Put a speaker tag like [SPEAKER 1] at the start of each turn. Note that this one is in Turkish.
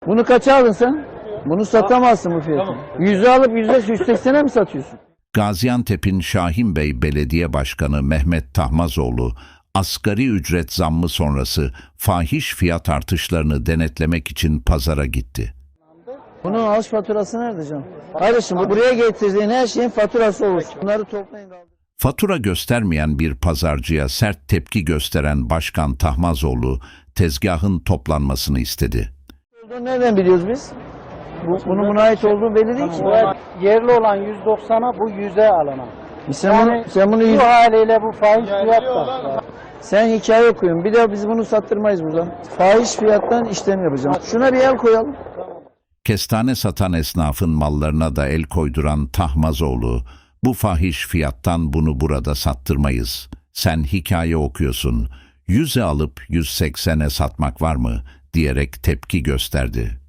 [SPEAKER 1] Bunu kaça aldın sen? Bunu satamazsın bu fiyatı. 100'e alıp 180'e mi satıyorsun?
[SPEAKER 2] Gaziantep'in Şahin Bey Belediye Başkanı Mehmet Tahmazoğlu, asgari ücret zammı sonrası fahiş fiyat artışlarını denetlemek için pazara gitti.
[SPEAKER 1] Bunun alış faturası nerede canım? Kardeşim buraya getirdiğin her şeyin faturası olur. Bunları toplayın.
[SPEAKER 2] Fatura göstermeyen bir pazarcıya sert tepki gösteren Başkan Tahmazoğlu, tezgahın toplanmasını istedi.
[SPEAKER 1] Nereden biliyoruz biz? Bunun buna ait olduğu belli değil ki.
[SPEAKER 3] Yerli olan 190'a bu 100'e alınan.
[SPEAKER 1] Sen bunu
[SPEAKER 3] Bu haliyle bu fahiş fiyat var.
[SPEAKER 1] sen hikaye okuyun. Bir de biz bunu sattırmayız buradan. Fahiş fiyattan işlem yapacağım. Şuna bir el koyalım.
[SPEAKER 2] Kestane satan esnafın mallarına da el koyduran Tahmazoğlu, bu fahiş fiyattan bunu burada sattırmayız. Sen hikaye okuyorsun, 100'e alıp 180'e satmak var mı diyerek tepki gösterdi.